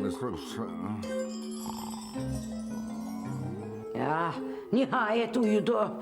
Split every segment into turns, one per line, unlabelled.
Ya nihayet uyudu.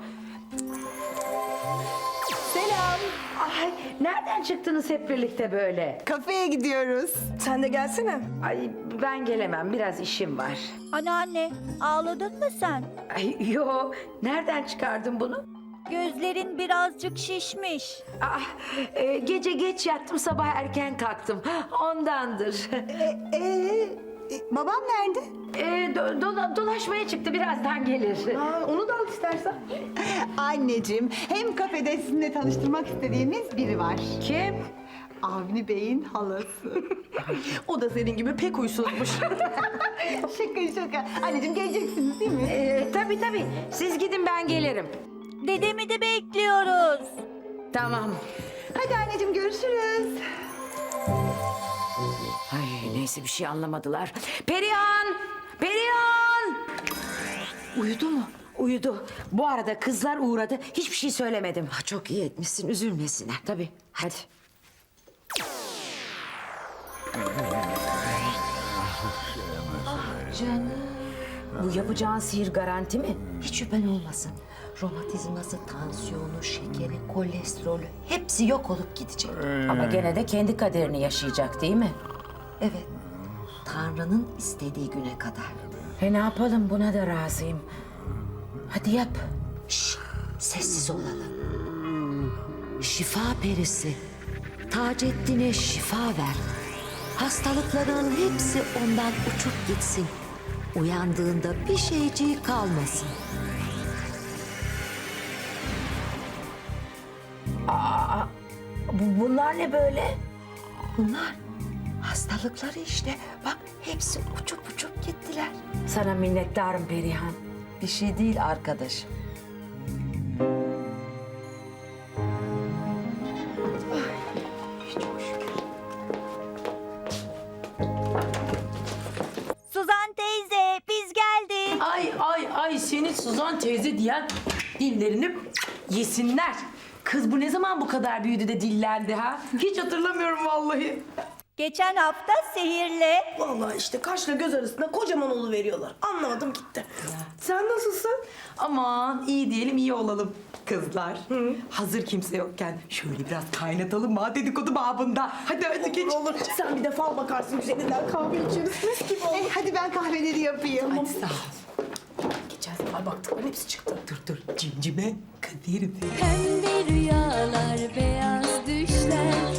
Selam.
Ay nereden çıktınız hep birlikte böyle?
Kafeye gidiyoruz. Sen de gelsene.
Ay ben gelemem, biraz işim var.
Anneanne, ağladın mı sen?
Ay yo, nereden çıkardın bunu?
Gözlerin birazcık şişmiş.
Ah, gece geç yattım, sabah erken kalktım. Ondandır.
Babam nerede?
Dolaşmaya çıktı, birazdan gelir.
Onu da al istersen. Anneciğim, hem kafede sizinle tanıştırmak istediğimiz biri var.
Kim?
Avni Bey'in halası.
O da senin gibi pek huysuzmuş.
Şaka. Anneciğim geleceksiniz değil mi?
Tabii. Siz gidin, ben gelirim.
Dedemi de bekliyoruz.
Tamam.
Hadi anneciğim görüşürüz.
Ay neyse, bir şey anlamadılar. Perihan! Perihan! Uyudu mu? Uyudu. Bu arada kızlar uğradı. Hiçbir şey söylemedim. Ha, çok iyi etmişsin. Üzülmesinler. Tabii. Hadi. Canım. Bu yapacağın sihir garanti mi? Hiç şüphen olmasın. Romatizması, tansiyonu, şekeri, kolesterolü hepsi yok olup gidecek. Ama gene de kendi kaderini yaşayacak değil mi? Evet. Tanrı'nın istediği güne kadar. Ne yapalım, buna da razıyım. Hadi yap. Şşş, sessiz olalım. Şifa perisi. Taceddin'e şifa ver. Hastalıkların hepsi ondan uçup gitsin. Uyandığında bir şeyciği kalmasın. Bunlar ne böyle? Bunlar hastalıkları işte. Bak hepsi uçup gittiler. Sana minnettarım Perihan. Bir şey değil arkadaşım.
Suzan teyze, biz geldik.
Ay senin Suzan teyze diyen dillerini yesinler. Kız bu ne zaman bu kadar büyüdü de dillendi ha? Hiç hatırlamıyorum vallahi.
Geçen hafta sihirle.
Vallahi işte kaşla göz arasında kocaman olu veriyorlar. Anlamadım gitti. Sen nasılsın?
Aman iyi diyelim iyi olalım kızlar. Hazır kimse yokken şöyle biraz kaynatalım mı dedikodu babında. Hadi geç.
Olur. Sen bir de fal bakarsın üzerinden kahve içeriz. Mis gibi olur.
Hadi ben kahveleri yapayım.
Hadi sağ ol.
Geçen sefer baktıkların hepsi çıktı.
Dur cimcime kaderim.
Pembe rüyalar, beyaz düşler